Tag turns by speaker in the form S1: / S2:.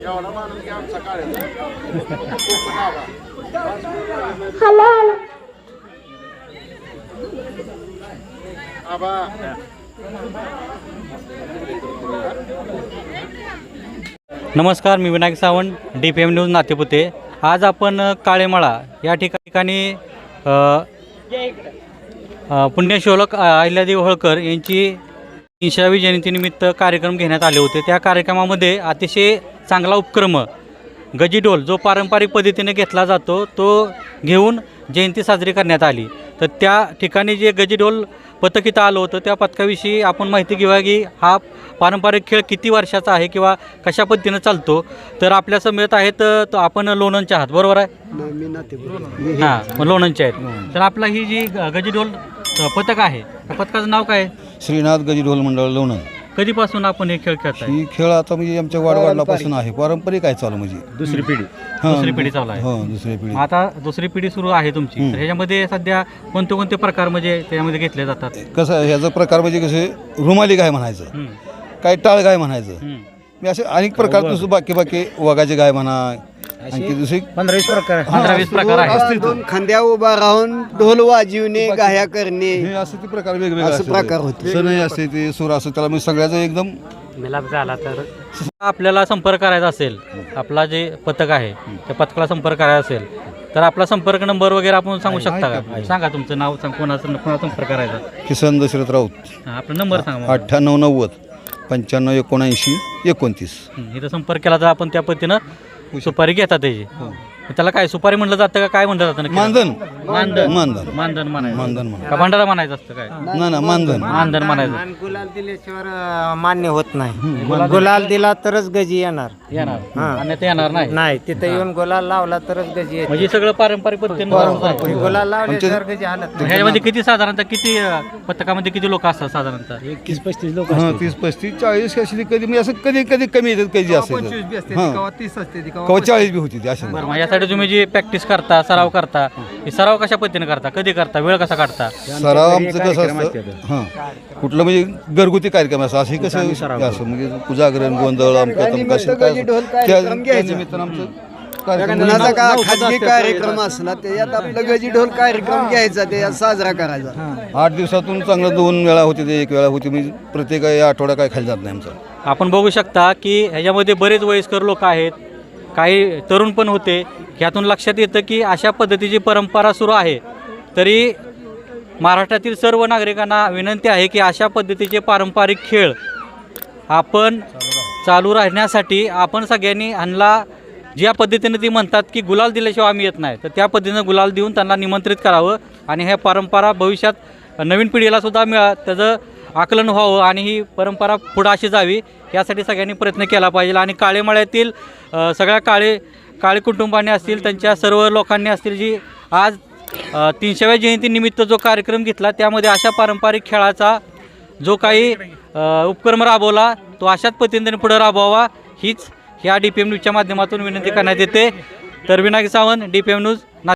S1: नमस्कार, मी Vinayak Sawant, DPM news Natepute. आज आपण काळेमाळा या ठिकाणी पुण्यश्लोक अहिल्यादेवी होळकर यांची 300वी जयंतीनिमित्त कार्यक्रम घेण्यात आले होते. त्या कार्यक्रमामध्ये अतिशय चांगला उपक्रम गजीढोल जो पारंपरिक पद्धतीने घेतला जातो तो घेऊन जयंती साजरी करण्यात आली. तर त्या ठिकाणी जे गजीढोल पथक इथं आलं होतं त्या पथकाविषयी आपण माहिती घेऊया की हा पारंपरिक खेळ किती वर्षाचा आहे किंवा कशा पद्धतीनं चालतो. तर आपल्या समेत आहेत तो आपण लोणंदचे आहात, बरोबर आहे? हां, लोणंदचे आहेत. तर आपला ही जी गजीढोल पथक आहे त्या पथकाचं नाव काय?
S2: श्रीनाथ गजीढोल मंडळ लोणंद.
S1: कधीपासून आपण हे खेळ खेळताय?
S2: ही खेळ आता म्हणजे आमच्या वाडवडिलापासून आहे, पारंपरिक आहे चालू म्हणजे
S1: दुसरी पिढी चालू आहे.
S2: हो, दुसरी पिढी.
S1: आता दुसरी पिढी सुरू आहे तुमची. तर ह्याच्यामध्ये सध्या कोणते कोणते प्रकार म्हणजे त्यामध्ये घेतले जातात?
S2: कसं ह्याचा प्रकार म्हणजे कसे रुमाली गाय म्हणायचं, काय टाळ गाय म्हणायचं, मी असे अनेक प्रकार दुसरं बाकी वगाची गाय म्हणा, आणखी दुसरी
S1: 15-20 प्रकार आहेत.
S3: दोन खांद्या उभा राहून ढोल वाजवणे, गाया करणे,
S2: हे असे ते प्रकार वेगवेगळे
S3: असं प्रकार होते.
S2: सण असते ते सूर असं त्याला म्हणजे सगळ्याचं एकदम
S1: मिलाप झाला. तर आपल्याला संपर्क करायचा असेल, आपला जे पथक आहे त्या पथकाला संपर्क करायचा असेल तर आपला संपर्क नंबर वगैरे आपण सांगू शकता का? सांगा तुमचं नाव, कोणाचा संपर्क करायचा?
S2: किसन दशरथ राऊत.
S1: आपला नंबर सांगा.
S2: 9890 95 79 29.
S1: इथं संपर्क केला तर आपण त्या पद्धतीनं सुपारी घेतात त्याची. त्याला काय सुपारी म्हणलं जातं का काय म्हणलं जातं?
S2: मानधन
S1: मानधन
S2: मानधन
S1: मानधन म्हणायचं
S2: मानधन म्हणा
S1: का भांडारा म्हणायचं असतं काय?
S2: ना मानधन
S1: मानधन म्हणायचं.
S3: गुलाल दिल्याशिवाय मान्य होत नाही. गुलाल दिला तरच गजी येणार.
S1: येणार आणि ते येणार नाही.
S3: नाही, तिथे येऊन गुलाल लावला तरच गजी येते.
S1: म्हणजे सगळं पारंपरिक पद्धतीने.
S3: गुलाल लावल्याशिवाय गजी आणत नाही.
S1: ह्याच्यामध्ये किती साधारणतः किती पथकामध्ये किती लोक असतात साधारणतः?
S3: 30-35 लोक.
S2: 30 35 40 अशी कधी म्हणजे असं कधी कमी येतात, कधी असते
S3: 30 असते.
S2: कवा 40 बी होती अशा.
S1: बरं, मग यासाठी तुम्ही जी प्रॅक्टिस करता, सराव करता, हे सराव कशा पद्धतीने करता, कधी करता, वेळ कसा काढता?
S2: सराव आमचं कसं असतं, हां कुठलं म्हणजे घरगुती कार्यक्रम असं असं कसं असं म्हणजे पूजाग्रहण गोंधळ आमचं निमित्तानं आमचं
S3: कुणाचा का खाजगी कार्यक्रम असला त्याच्यात आपलं गजी ढोल कार्यक्रम घ्यायचा, त्याच्यात साजरा करायचा.
S2: 8 दिवसातून चांगलं 2 वेळा होते, ते 1 वेळा होती, म्हणजे प्रत्येक आठवडा काय खाली जात नाही आमचं.
S1: आपण बघू शकता की ह्याच्यामध्ये बरेच वयस्कर लोक आहेत, काही तरुण पण होते. ह्यातून लक्षात येतं की अशा पद्धतीची परंपरा सुरू आहे. तरी महाराष्ट्रातील सर्व नागरिकांना विनंती आहे की अशा पद्धतीचे पारंपरिक खेळ आपण चालू राहण्यासाठी आपण सगळ्यांनी ह्यांना ज्या पद्धतीने ती म्हणतात की गुलाल दिल्याशिवाय आम्ही येत नाही, तर त्या पद्धतीनं गुलाल देऊन त्यांना निमंत्रित करावं आणि ह्या परंपरा भविष्यात नवीन पिढीलासुद्धा त्याचं आकलन व्हावं आणि ही परंपरा पुढं अशी जावी यासाठी सगळ्यांनी प्रयत्न केला पाहिजे. आणि काळेमाळ्यातील सगळ्या काळे कुटुंबाने असतील, त्यांच्या सर्व लोकांनी असतील, जी आज 300व्या जयंतीनिमित्त जो कार्यक्रम घेतला त्यामध्ये अशा पारंपरिक खेळाचा जो काही उपक्रम राबवला तो अशाच पद्धतीने पुढे राबवावा हीच ह्या DPM न्यूजच्या माध्यमातून विनंती करण्यात येते. तर विनायक सावंत, DPM न्यूज.